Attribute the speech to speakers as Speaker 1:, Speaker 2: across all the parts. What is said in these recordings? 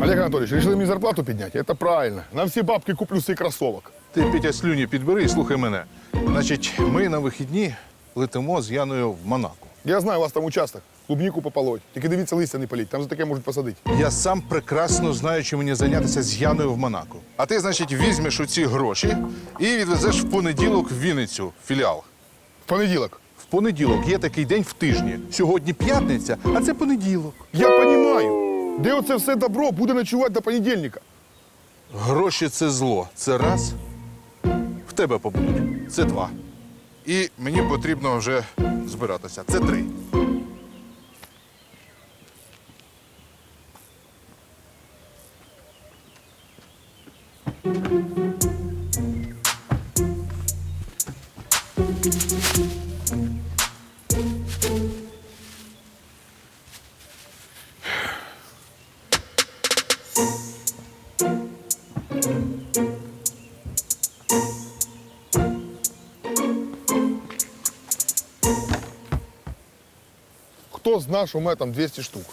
Speaker 1: Олег Анатольевич, решили мне зарплату поднять? Это правильно. На все бабки куплю себе кроссовок.
Speaker 2: Ти, Петя, слюні підбери і слухай мене. Значить, ми на вихідні летимо з Яною в Монако.
Speaker 1: Я знаю, у вас там участок. Клубнику пополоть. Тільки дивіться, листя не політь. Там за таке можуть посадити.
Speaker 2: Я сам прекрасно знаю, чим мені зайнятися з Яною в Монако. А ти, значить, візьмеш оці гроші і відвезеш в понеділок в Вінницю, в філіал.
Speaker 1: В понеділок.
Speaker 2: В понеділок є такий день в тижні. Сьогодні п'ятниця, а це понеділок.
Speaker 1: Я розумію. Де оце все добро буде ночувати до понедільника?
Speaker 2: Гроші – це зло. Це раз. В тебе побудуть. Це два. І мені потрібно вже збиратися. Це три.
Speaker 1: Хто знає, що у мене там 200 штук?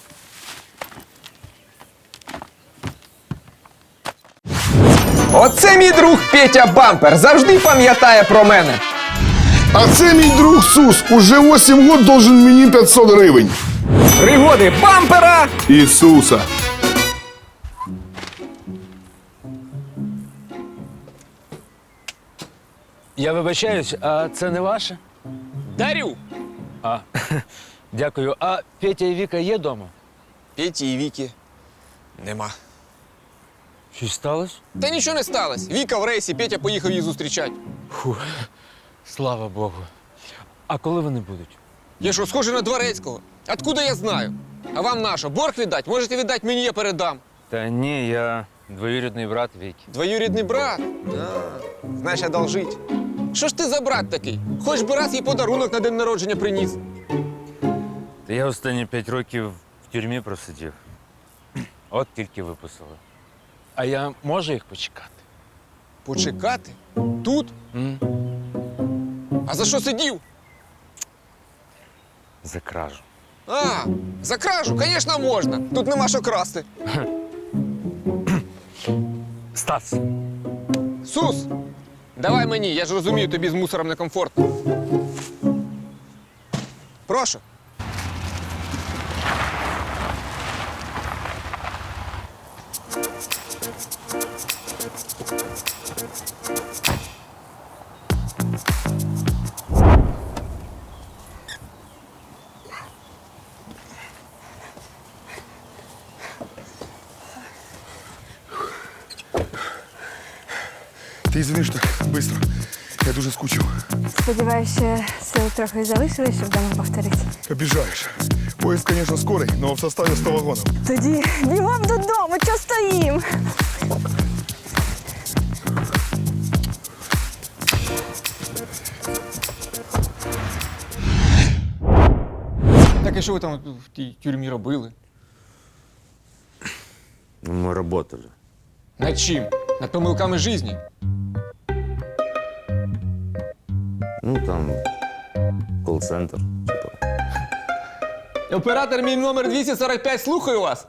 Speaker 3: Оце мій друг Петя Бампер. Завжди пам'ятає про мене.
Speaker 1: А це мій друг Сус. Уже 8 років должен мені 500 гривень.
Speaker 3: Пригоди бампера.
Speaker 1: Ісуса.
Speaker 4: Я вибачаюсь, а це не ваше?
Speaker 5: Дарю!
Speaker 4: А, дякую. А Петя і Віка є вдома?
Speaker 5: Петі і Віки нема.
Speaker 4: Щось сталося?
Speaker 5: Та нічого не сталося. Віка в рейсі, Петя поїхав її зустрічати.
Speaker 4: Фух, слава Богу. А коли вони будуть?
Speaker 5: Я що, схожий на Дворецького? Откуда я знаю? А вам на що? Борг віддать? Можете віддати мені, я передам.
Speaker 4: Та ні, я двоюрідний брат Віки.
Speaker 5: Двоюрідний брат? Знаєш, одолжить. Що ж ти за брат такий? Хоч би раз їй подарунок на день народження приніс.
Speaker 4: Та я останні 5 років в тюрмі просидів. От тільки виписали. А я можу їх почекати?
Speaker 5: Почекати? Тут? А за що сидів?
Speaker 4: За кражу.
Speaker 5: А, за кражу, звісно, можна. Тут нема що красти.
Speaker 4: Стас!
Speaker 5: Сус, давай мені, я ж розумію, тобі з мусором некомфортно. Прошу.
Speaker 1: Ти извини, що так швидко. Я дуже скучив.
Speaker 6: Сподіваюся, сил трохи залишилось, щоб дома повторити.
Speaker 1: Обіжаєш. Поїзд, звісно, скорий, але в составі 100 вагонів.
Speaker 6: Тоді бігом додому, чого стоїм?
Speaker 5: Так і що ви там в тій тюрмі робили?
Speaker 4: Мы работали.
Speaker 5: Над чим? Над помилками житті?
Speaker 4: Ну, там, колл-центр.
Speaker 5: Оператор мій номер 245, слухаю вас.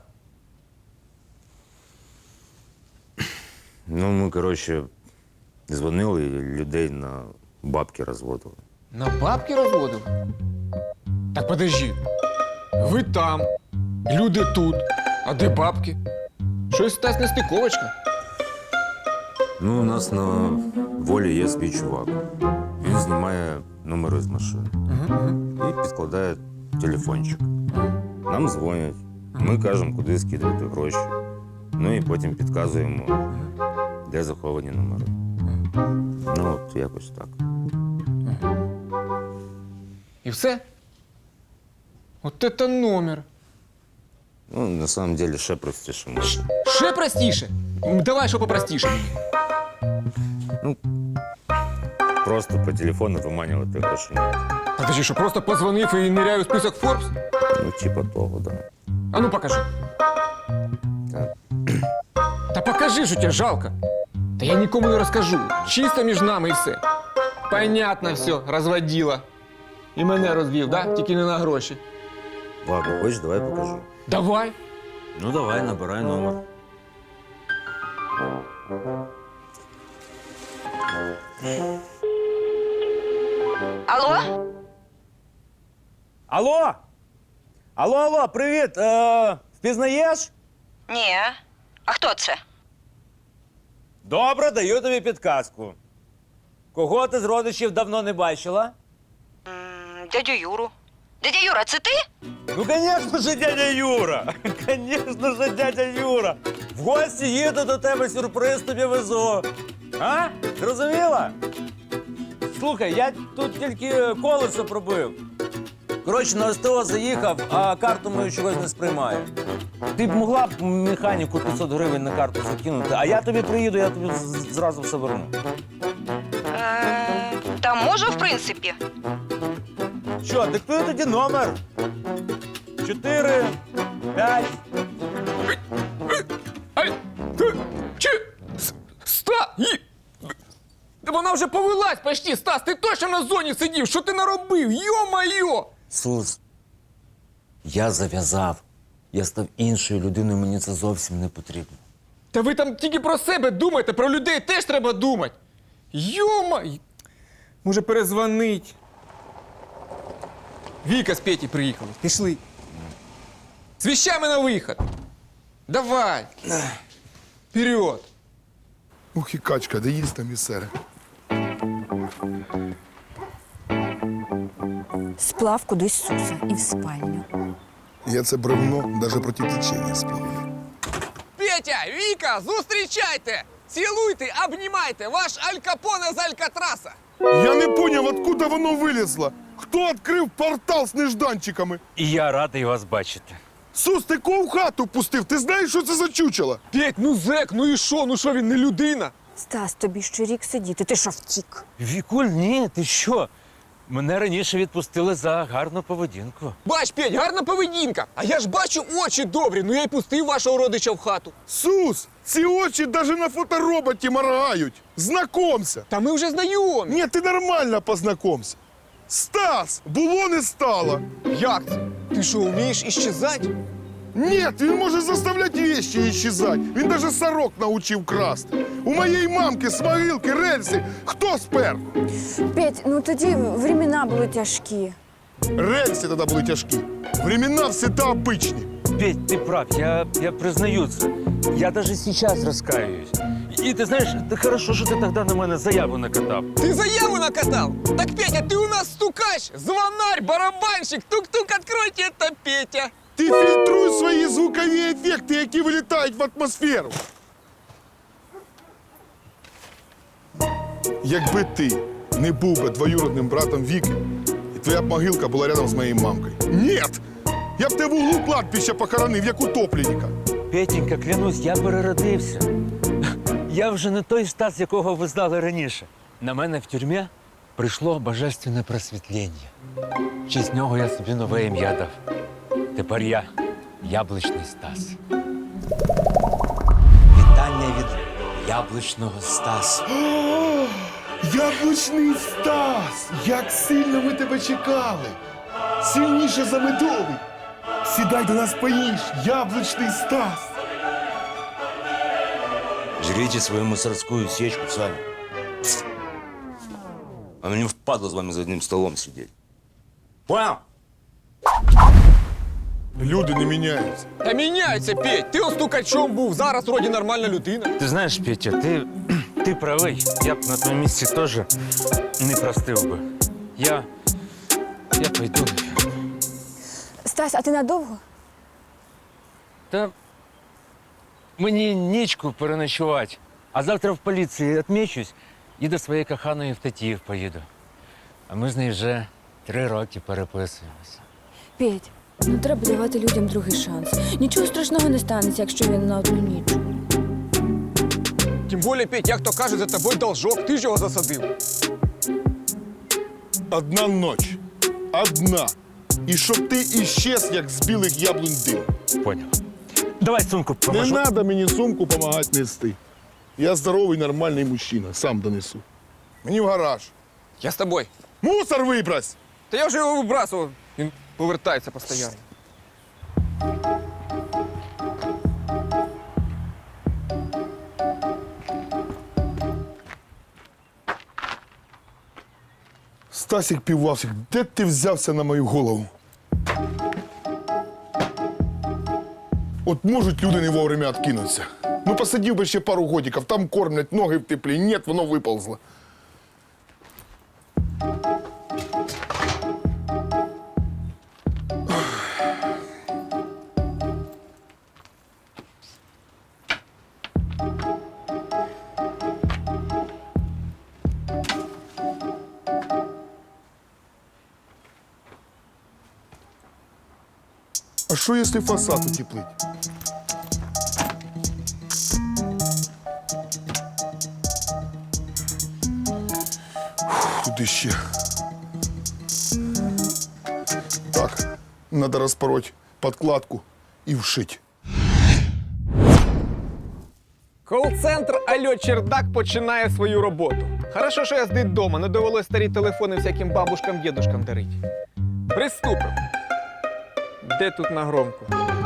Speaker 7: Ну, ми, коротше, дзвонили і людей на бабки розводили.
Speaker 5: На бабки розводив? Так подожди. Ви там, люди тут. А де бабки? Щось Стас нестиковочка.
Speaker 7: Ну, у нас на волі є свій чувак. Він знімає номери з машин і підкладає телефончик. Нам дзвонять, ми кажемо, куди скидувати гроші. Ну і потім підказуємо, де заховані номери. Ну, от якось так.
Speaker 5: І все? От це номер.
Speaker 7: Ну, на самом деле, ще простіше може.
Speaker 5: Ще простіше? Давай, що попростіше мені.
Speaker 7: Ну, просто по телефону виманювати гроші.
Speaker 5: Подожди, що просто позвонив і ниряю в список Forbes?
Speaker 7: Ну, типа того, да.
Speaker 5: А ну покажи.
Speaker 7: Так.
Speaker 5: Та покажи, що тебе жалко. Та я нікому не розкажу. Чисто між нами і все. Понятно все, розводила. І мене розвів, да? Тільки не на гроші.
Speaker 7: Ладно, хочеш, давай покажу.
Speaker 5: Давай.
Speaker 7: Ну, давай, набирай номер.
Speaker 6: Алло?
Speaker 8: Алло? Алло, привіт. Впізнаєш?
Speaker 6: Ні. А хто це?
Speaker 8: Добре, даю тобі підказку. Кого ти з родичів давно не бачила?
Speaker 6: Дядю Юру. Дядя Юра, це ти?
Speaker 8: Ну, звісно ж, дядя Юра. Звісно ж, дядя Юра. В гості їду до тебе, сюрприз тобі везу. А? Зрозуміла? Слухай, я тут тільки колесо пробив. Коротше, на СТО заїхав, а карту мою чогось не сприймає. Ти б могла б механіку 500 гривень на карту закинути, а я тобі приїду, я тобі зразу все верну.
Speaker 6: Та можу, в принципі.
Speaker 8: Що, диктую тоді номер. 4, 5.
Speaker 5: Ай! Та вона вже повелась почти, Стас, ти точно на зоні сидів, що ти наробив? Йо-майо!
Speaker 8: Сус, я зав'язав. Я став іншою людиною, мені це зовсім не потрібно.
Speaker 5: Та ви там тільки про себе думаєте, про людей теж треба думати. Йо-май! Може перезвонить. Віка з Петі приїхали. Пішли. З вещами на вихід. Давай. Вперед.
Speaker 1: Ух і качка, де їсть там і сере.
Speaker 6: Сплав кудись Суса і в спальню.
Speaker 1: Я це бревно навіть проти течення співаю.
Speaker 5: Петя, Віка, зустрічайте! Цілуйте, обнімайте! Ваш Аль Капоне з Алькатраса!
Speaker 1: Я не поняв, откуда воно вилізло. Хто відкрив портал з нежданчиками?
Speaker 4: І я радий вас бачити.
Speaker 1: Сус, ти кого в хату пустив? Ти знаєш, що це за чучело?
Speaker 5: Петь, ну зек, ну і що? Ну що, він не людина?
Speaker 6: Стас, тобі ще рік сидіти, ти що втік?
Speaker 4: Вікуль, ні, ти що? Мене раніше відпустили за гарну поведінку.
Speaker 5: Бач, Петь, гарна поведінка. А я ж бачу очі добрі, ну я й пустив вашого родича в хату.
Speaker 1: Сус, ці очі навіть на фотороботі моргають. Знакомся.
Speaker 5: Та ми вже знайомі.
Speaker 1: Ні, ти нормально познакомся. Стас, було не стало.
Speaker 5: Як це? Ти що, вмієш іщезати?
Speaker 1: Ні, він може заставляти вещи исчезать. Він даже сорок научив красти. У моєї мамки з могилки рельси хто спер?
Speaker 6: Петь, ну тоді времена були тяжкі.
Speaker 1: Рельси тоді були тяжкі. Времена всегда обичні.
Speaker 4: Петь, ти прав, я признаю це. Я навіть зараз розкаюсь. І ти знаєш, це хорошо, що ти тоді на мене заяву накатав.
Speaker 5: Ти заяву накатав? Так, Петя, ти у нас стукач, звонарь, барабанщик, тук-тук, откройте, это Петя.
Speaker 1: Ти фільтруй свої звукові ефекти, які вилітають в атмосферу. Якби ти не був би двоюродним братом Віки, і твоя б могилка була рядом з моєю мамкою. Нет! Я б тебе в углу кладбища похоронив, як утопленника.
Speaker 4: Петенька, клянусь, я переродився. Я вже не той Стас, якого ви знали раніше. На мене в тюрмі прийшло божественне просвітлення. В честь нього я собі нове ім'я дав. Тепер я Яблучний Стас. Вітання від Яблучного Стаса.
Speaker 1: Яблучний Стас! Як сильно ми тебе чекали! Сильніше за медовий! Сідай до нас поїж, Яблучний Стас!
Speaker 7: Жрите свою мусорскую сечку сами. А мне впадло с вами за одним столом сидеть. Понял?
Speaker 1: Люди не міняються.
Speaker 5: Та міняється, Петь, ти стукачом був, зараз вроді нормальна людина.
Speaker 4: Ти знаєш, Петя, ти правий. Я б на твоєму місці теж не простив би. Я пойду.
Speaker 6: Стас, а ти надовго?
Speaker 4: Та мені нічку переночувати. А завтра в поліції відмічусь і до своєї коханої в Тетіїв поїду. А ми з нею вже 3 роки переписуємося.
Speaker 6: Петь, ну треба давати людям другий шанс. Нічого страшного не станеться, якщо він на одну ніч.
Speaker 5: Тим більше, Петь, як то кажуть, за тобою должок, ти ж його засадив.
Speaker 1: Одна ніч. Одна. І щоб ти іщез, як з білих яблунь дим.
Speaker 4: Поняв. Давай сумку
Speaker 1: Не
Speaker 4: поможу.
Speaker 1: треба мені сумку допомагати нести. Я здоровий, нормальний мужчина, сам донесу. Мені в гараж.
Speaker 5: Я з тобою.
Speaker 1: Мусор вибрось!
Speaker 5: Та я вже його вибрасував. Він повертається постійно.
Speaker 1: Стасік Півлавсік, де ти взявся на мою голову? От можуть люди не вовремя откинуться. Ну посидів би ще пару годиків, там кормлять, ноги в теплі. Ні, воно виползло. А що, якщо фасад утеплить? Куди ще? Так, треба розпороть подкладку і вшить.
Speaker 5: Кол-центр Альо Чердак починає свою роботу. Хорошо, що я з дитдома, не довелось старі телефони всяким бабушкам, дідушкам дарити. Приступимо. Де тут на громку?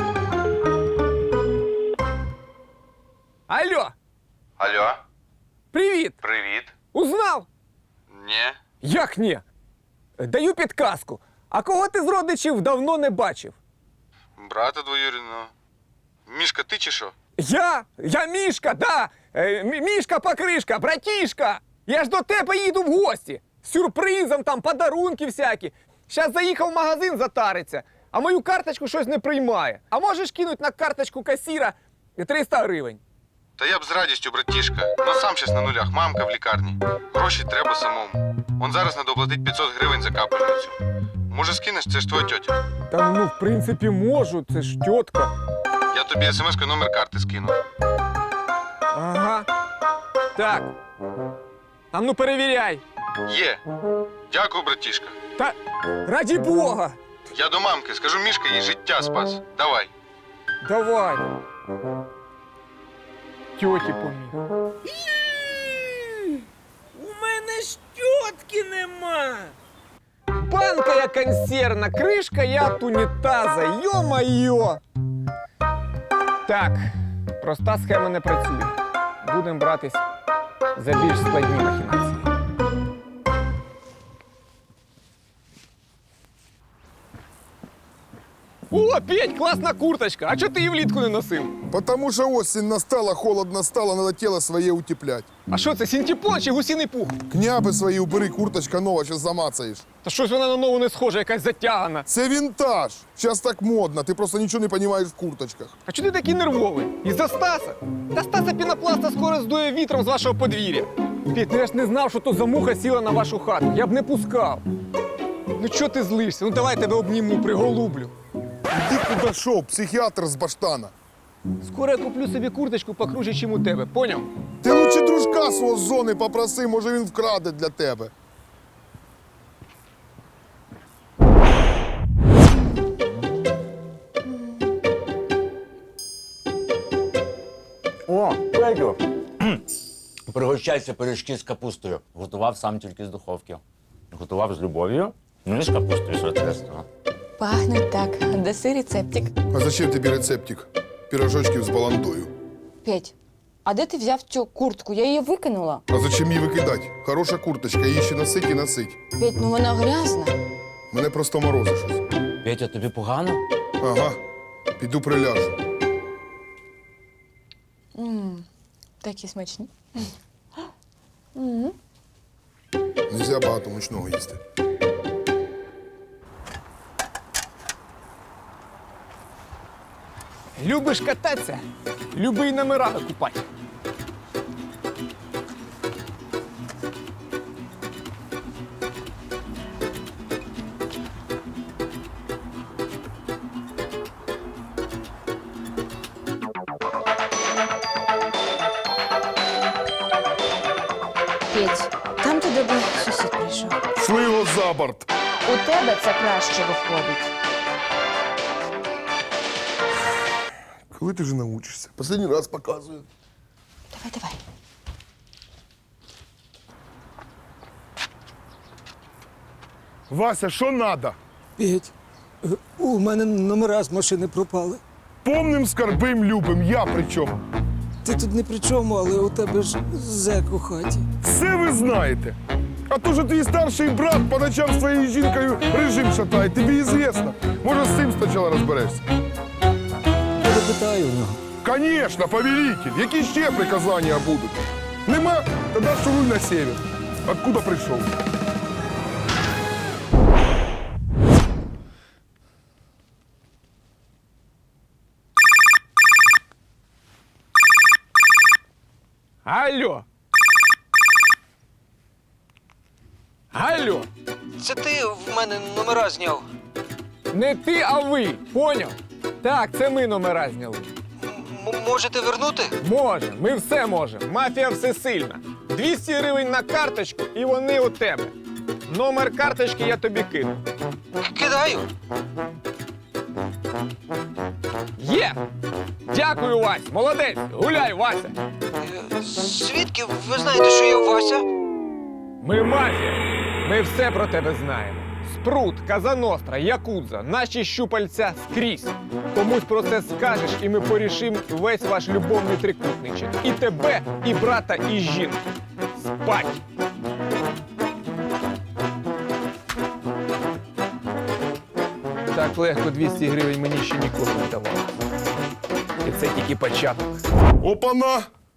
Speaker 5: Алло!
Speaker 2: Алло,
Speaker 5: Привіт!
Speaker 2: привіт.
Speaker 5: Узнав?
Speaker 2: Ні.
Speaker 5: Як ні? Даю підказку. А кого ти з родичів давно не бачив?
Speaker 2: Брата двоюрідного. Мішка, ти чи що?
Speaker 5: Я Мішка, да! Мішка-покришка, братішка! Я ж до тебе їду в гості. З сюрпризом, там, подарунки всякі. Щас заїхав в магазин затариться, а мою карточку щось не приймає. А можеш кинуть на карточку касіра 300 гривень?
Speaker 2: Та я б з радістю, братішка. Ну сам щас на нулях, мамка в лікарні. Гроші треба самому. Он зараз надо оплатить 500 гривень за капельницю. Може скинеш, це ж твоя тьотя.
Speaker 5: Та ну, в принципі, можу, це ж тітка.
Speaker 2: Я тобі смс-кою номер карти скину.
Speaker 5: Ага. Так. А ну перевіряй.
Speaker 2: Є. Дякую, братішка.
Speaker 5: Та раді Бога.
Speaker 2: Я до мамки, скажу, Мішка їй життя спас. Давай.
Speaker 5: Давай. Тьоті поміг.
Speaker 8: У мене ж тітки нема.
Speaker 5: Банка я консервна, кришка я от унітаза. Йо-майо! Так, проста схема не працює. Будемо братись за більш складні махінації. О, Петь, класна курточка! А чого ти її влітку не носив?
Speaker 1: Потому що осінь настала, холодно стало, надо тіло своє утеплять.
Speaker 5: А що це, синтепон чи гусиний пух?
Speaker 1: Княби свої убери, курточка нова, щас замацаєш.
Speaker 5: Та щось вона на нову не схожа, якась затягана.
Speaker 1: Це вінтаж. Зараз так модно, ти просто нічого не розумієш в курточках.
Speaker 5: А чого ти такий нервовий? Із-за Стаса? Та Стаса пінопласта скоро здує вітром з вашого подвір'я. Петь, ну я ж не знав, що то за муха сіла на вашу хату. Я б не пускав. Ну чого ти злишся? Ну давай тебе обніму, приголублю.
Speaker 1: Ти куди шов, психіатр з баштана.
Speaker 5: Скоро я куплю собі курточку покруче, чим у тебе, поняв?
Speaker 1: Ти лучше дружка свого з зони попроси, може він вкраде для тебе.
Speaker 9: О, Петю! Пригощайся пиріжки з капустою. Готував сам тільки з духовки. Готував з любов'ю, ну і з капустою, соответственно.
Speaker 6: Пахнуть так. Даси рецептик.
Speaker 1: А зачем тобі рецептик? Пірожочків з баландою.
Speaker 6: Петь, а де ти взяв цю куртку? Я її викинула.
Speaker 1: А зачем її викидати? Хороша курточка, її ще носить і носить.
Speaker 6: Петь, ну вона грязна.
Speaker 1: Мене просто морозить щось.
Speaker 9: Петя, тобі погано?
Speaker 1: Ага, піду приляжу.
Speaker 6: Такі смачні.
Speaker 1: Нельзя багато мучного їсти.
Speaker 5: Любиш кататися? Люби й номера викупати.
Speaker 6: Петь, там до тебе сусід прийшов.
Speaker 1: Шли його за борт.
Speaker 6: У тебе це краще виходить.
Speaker 1: Коли ти вже научишся? Последній раз показую.
Speaker 6: Давай.
Speaker 1: Вася, що надо?
Speaker 10: Петь, у мене номера з машини пропали.
Speaker 1: Помним, скарбим, любим. Я при чому?
Speaker 10: Ти тут не при чому, але у тебе ж зек у хаті.
Speaker 1: Все ви знаєте. А то, що твій старший брат по ночам з твоєю жінкою режим шатає, тобі известно. Може, з цим спочатку розберешся?
Speaker 10: Я запитаю у нього.
Speaker 1: Конечно, повелитель. Які ще приказання будуть? Нема? Тоді шуруй на север. Откуда прийшов?
Speaker 5: Алло. Алло.
Speaker 10: Це ти в мене номера зняв.
Speaker 5: Не ти, а ви. Поняв? Так, це ми номера зняли.
Speaker 10: Можете вернути?
Speaker 5: Може, ми все можемо. Мафія всесильна. 200 гривень на карточку і вони у тебе. Номер карточки я тобі кину.
Speaker 10: Кидаю.
Speaker 5: Є! Дякую, Вась! Молодець! Гуляй, Вася!
Speaker 10: Звідки ви знаєте, що я Вася?
Speaker 5: Ми мафія! Ми все про тебе знаємо. Спрут, Казаностра, Якудза, наші щупальця скрізь. Комусь про це скажеш, і ми порішимо весь ваш любовний трикутничок. І тебе, і брата, і жінку. Спать! Так легко 200 гривень мені ще ніколи не давали. І це тільки початок.
Speaker 1: Опана!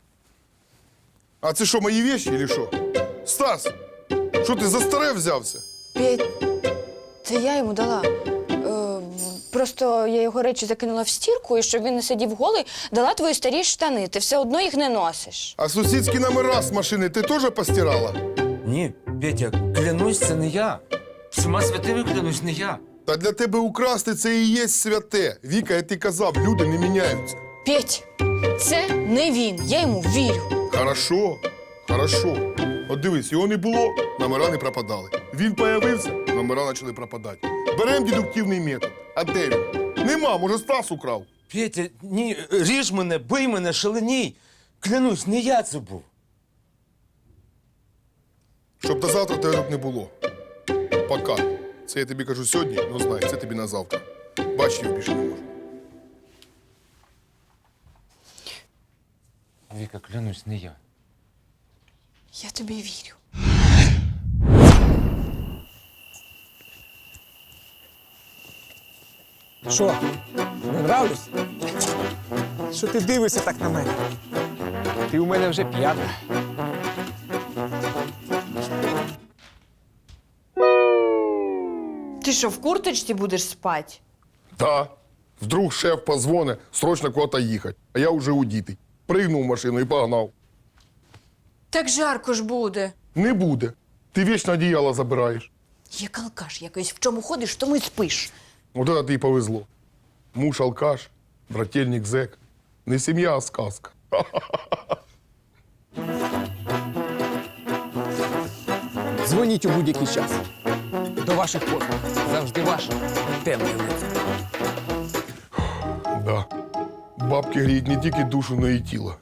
Speaker 1: А це що, мої вещи или що? Стас, що ти за старе взявся?
Speaker 6: Петь, це я йому дала. Просто я його речі закинула в стірку, і щоб він не сидів голий, дала твої старі штани. Ти все одно їх не носиш.
Speaker 1: А сусідські номера з машини ти теж постирала?
Speaker 3: Ні, Петя, клянусь, це не я. Всіма святими клянусь, не я.
Speaker 1: Та для тебе украсти це і є святе. Віка, я ти казав, люди не міняються.
Speaker 6: Петь, це не він. Я йому вірю.
Speaker 1: Хорошо, хорошо. От дивись, його не було, номера не пропадали. Він появився, номера почали пропадати. Беремо дедуктивний метод. А де він? Нема, може, Стас украв.
Speaker 3: Петя, ні, ріж мене, бий мене, шаленій. Клянусь, не я це був.
Speaker 1: Щоб до завтра тебе тут не було. Пока. Це я тобі кажу сьогодні, ну знай, це тобі на завтра. Бач, я більше не можу.
Speaker 3: Віка, клянусь, не я.
Speaker 6: Я тобі вірю.
Speaker 5: Що? Не нравлюсь? Що ти дивишся так на мене? Ти у мене вже п'ята.
Speaker 6: Ти що, в курточці будеш спати?
Speaker 1: Да. Вдруг шеф позвоне, срочно куда-то їхати. А я вже удітий. Пригнув в машину і погнав.
Speaker 6: Так жарко ж буде.
Speaker 1: Не буде. Ти вічно одіяло забираєш.
Speaker 6: Як алкаш якийсь, в чому ходиш, в тому й спиш.
Speaker 1: Вот это тобі повезло. Муж алкаш, брательник зек. Не сім'я, а сказка.
Speaker 5: Дзвоніть у будь-який час. До ваших послуг. Завжди ваш темний лицар.
Speaker 1: Да. Бабки гріють не тільки душу, но і тіло.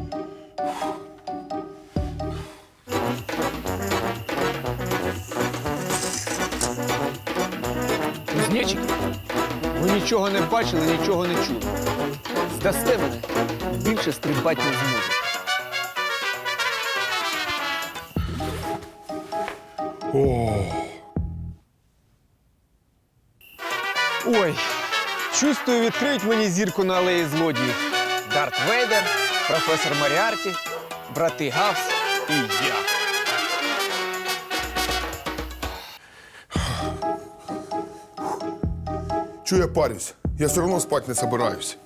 Speaker 5: Кузнечики, ви нічого не бачили, нічого не чули. Здасте мене, більше стрибати не зможете. Ой, чувствую, відкриють мені зірку на алеї злодіїв. Дарт Вейдер, професор Маріарті, брати Гавс і я.
Speaker 1: Чого я парюсь? Я все одно спати не собираюсь.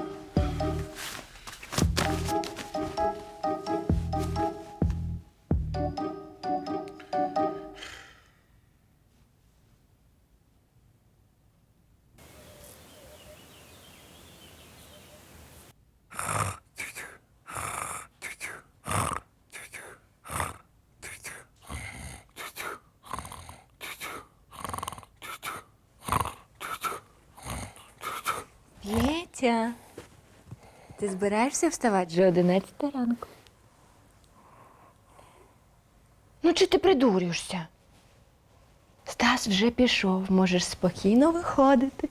Speaker 6: Петя, ти збираєшся вставати вже 11 ранку? Ну, чи ти придурюєшся? Стас вже пішов, можеш спокійно виходити.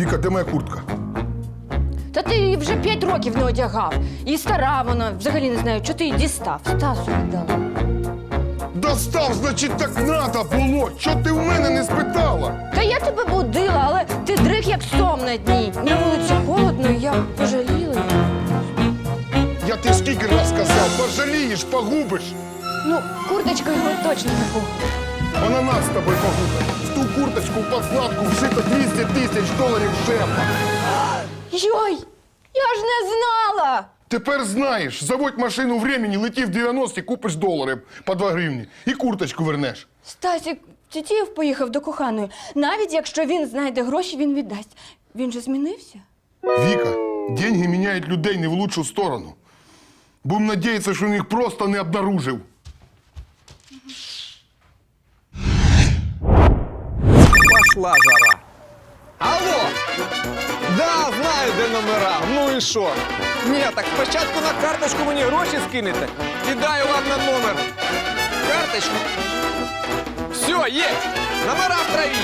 Speaker 1: Віка, де моя куртка?
Speaker 6: Та ти її вже 5 років не одягав. І стара вона, взагалі не знаю, чого ти її дістав. Стасу віддала.
Speaker 1: Достав, значить, так надо було. Чого ти в мене не спитала?
Speaker 6: Та я тебе будила, але ти дрих як сом на дні. На вулиці холодно, і я пожаліла її.
Speaker 1: Я ти скільки раз сказав, пожалієш, погубиш.
Speaker 6: Ну, курточка його точно не погубить.
Speaker 1: Вона нас з тобою погубить. В ту курточку, в подкладку вшито 200 тисяч доларів шефа.
Speaker 6: Йой, я ж не знала!
Speaker 1: Тепер знаєш, заводь машину времени, лети в 90-ті, купиш долари по 2 гривні і курточку вернеш.
Speaker 6: Стасік Тітєєв поїхав до коханої. Навіть якщо він знайде гроші, він віддасть. Він же змінився.
Speaker 1: Віка, деньги міняють людей не в лучшу сторону. Будем надіятися, що він їх просто не обнаружив.
Speaker 5: Пошла жара. Алло! Да, знаю, де номера. Ну і що? Ні, так спочатку на карточку мені гроші скинете. Кидаю вам на номер. Карточку. Все, є. Номера в траві.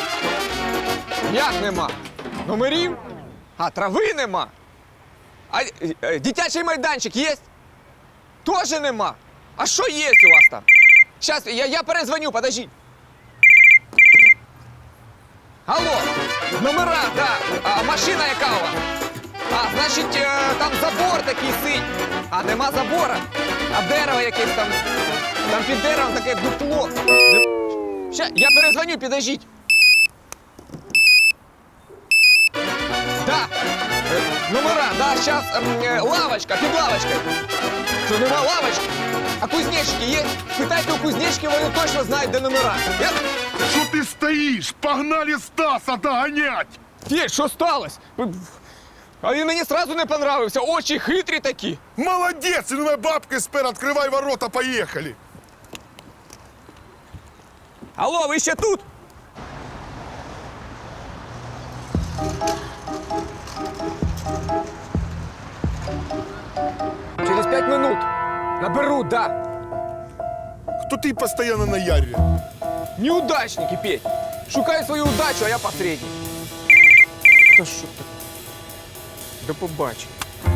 Speaker 5: Як нема? Номерів? А трави нема. А дитячий майданчик є? Тоже нема. А що є у вас там? Щас, я перезвоню, подождіть. Алло, номера, да. А машина яка у вас? А, значить, там забор такий синій. А нема забора. А дерево якесь там. Там під деревом таке дупло. Ще, я перезвоню, підождіть. Да. Номера, да, сейчас лавочка, під лавочкою. Що, нема лавочки? А кузнечики є? Питайте у кузнечки, вони точно знають, де номера. Я...
Speaker 1: Що ти стоїш? Погнали Стаса доганять!
Speaker 5: Федь, що сталося? А він мені сразу не понравився, очі хитрі такі.
Speaker 1: Молодець! Ну, бабки спер, відкривай ворота, поїхали!
Speaker 5: Алло, ви ще тут? Через 5 минут. Наберу, да.
Speaker 1: Хто ти постійно на ярі?
Speaker 5: Неудачники, Петь. Шукаю свою удачу, а я посередник. Та що ти? До побачення.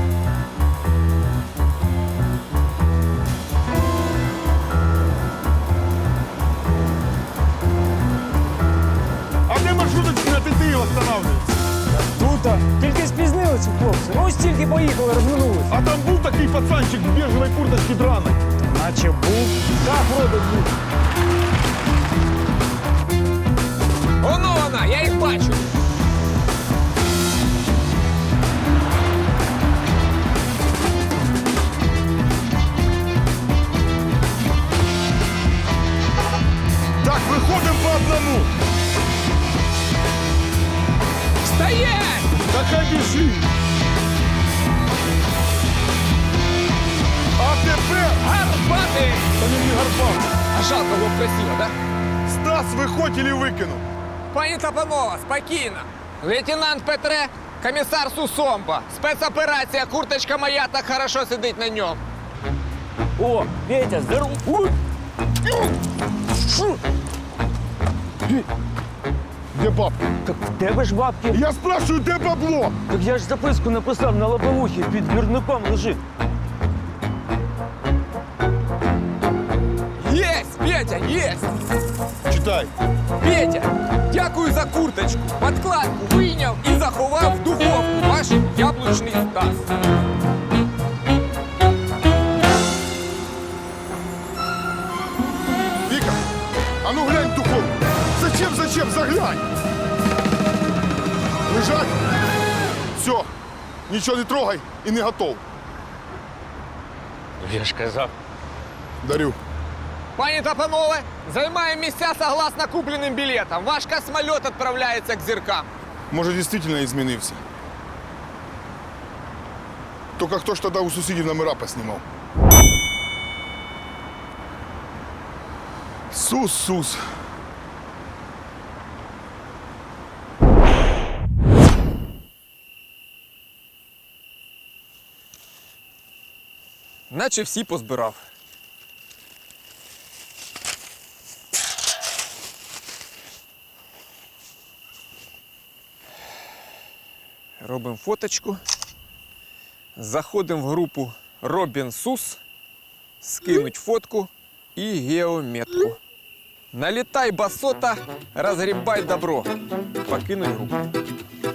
Speaker 1: А де маршруточки на ТТІ останавливаються?
Speaker 10: Тут, тільки спізнилися, хлопці. Ну, стільки поїхали, розминулися.
Speaker 1: А там був такий пацанчик в біжевій курточці драной.
Speaker 10: Наче був. Так, вроде був.
Speaker 5: Воно вона, я їх бачу.
Speaker 1: Так, виходимо по одному.
Speaker 5: Стоять!
Speaker 1: Так хай біжи. А тепер...
Speaker 5: Гарбати!
Speaker 1: Та не гарбав.
Speaker 5: А жалко було б красиво, да?
Speaker 1: Стас, виходь или викину.
Speaker 5: Пані Тапанова, спокійно. Лейтенант Петре, комісар Сусомба. Спецоперація, курточка моя так хорошо сидить на ньому.
Speaker 8: О, Петя, здоров.
Speaker 1: Де бабки?
Speaker 8: Так в тебе ж бабки.
Speaker 1: Я спрашиваю, де бабло?
Speaker 8: Так я ж записку написав на лобовухі, під двірником лежить.
Speaker 5: Єсть, Петя, єсть!
Speaker 1: Читай.
Speaker 5: Петя, дякую за курточку. Подкладку вийняв і заховав в духовку. Ваш яблучний Стас.
Speaker 1: Віка, а ну глянь в духовку. Зачем, заглянь. Лежать. Все, нічого не трогай і не готов.
Speaker 4: Я ж казав.
Speaker 1: Дарю.
Speaker 5: Пані Тапанове, займаємо місця согласно купленим білетам. Ваш космольот відправляється к зіркам.
Speaker 1: Може, дійсно і змінився. Тільки хто ж тоді у сусідів номера поснімав. Сус.
Speaker 5: Наче всі позбирав. Робимо фоточку. Заходимо в групу Робін Сус, скинуть фотку і геометку. Налітай басота, розгрібай добро. Покинуть групу.